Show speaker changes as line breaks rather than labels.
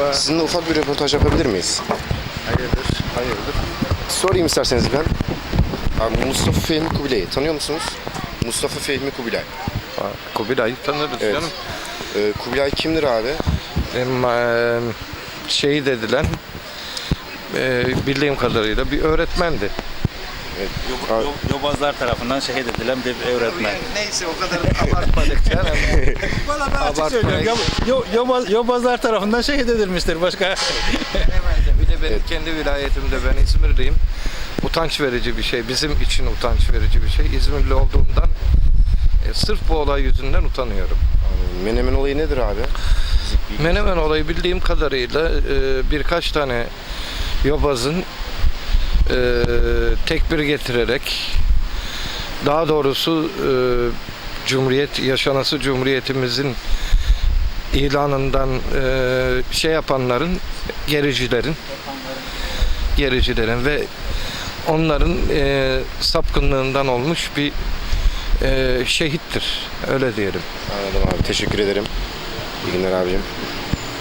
Sizinle ufak bir röportaj yapabilir miyiz?
Hayırdır?
Sorayım isterseniz ben. Abi Mustafa Fehmi Kubilay'ı tanıyor musunuz? Mustafa Fehmi Kubilay.
Kubilay'ı tanırız
Evet.
canım.
Kubilay kimdir abi?
Benim şehit edilen bildiğim kadarıyla bir öğretmendi.
Yobazlar tarafından şehit edilen bir öğretmen.
Neyse o kadar abartmadık canım.
Valla ben açık söylüyorum. Yobazlar tarafından şehit edilmiştir. Başka
Bir de benim kendi vilayetimde, ben İzmirliyim. Utanç verici bir şey. Bizim için utanç verici bir şey. İzmirli olduğumdan sırf bu olay yüzünden utanıyorum.
Menemen olayı nedir abi?
Menemen olayı bildiğim kadarıyla birkaç tane yobazın tekbir getirerek, daha doğrusu yaşanası Cumhuriyetimizin ilanından şey yapanların, gericilerin ve onların sapkınlığından olmuş bir şehittir. Öyle diyelim.
Anladım abi. Teşekkür ederim. İyi günler abicim.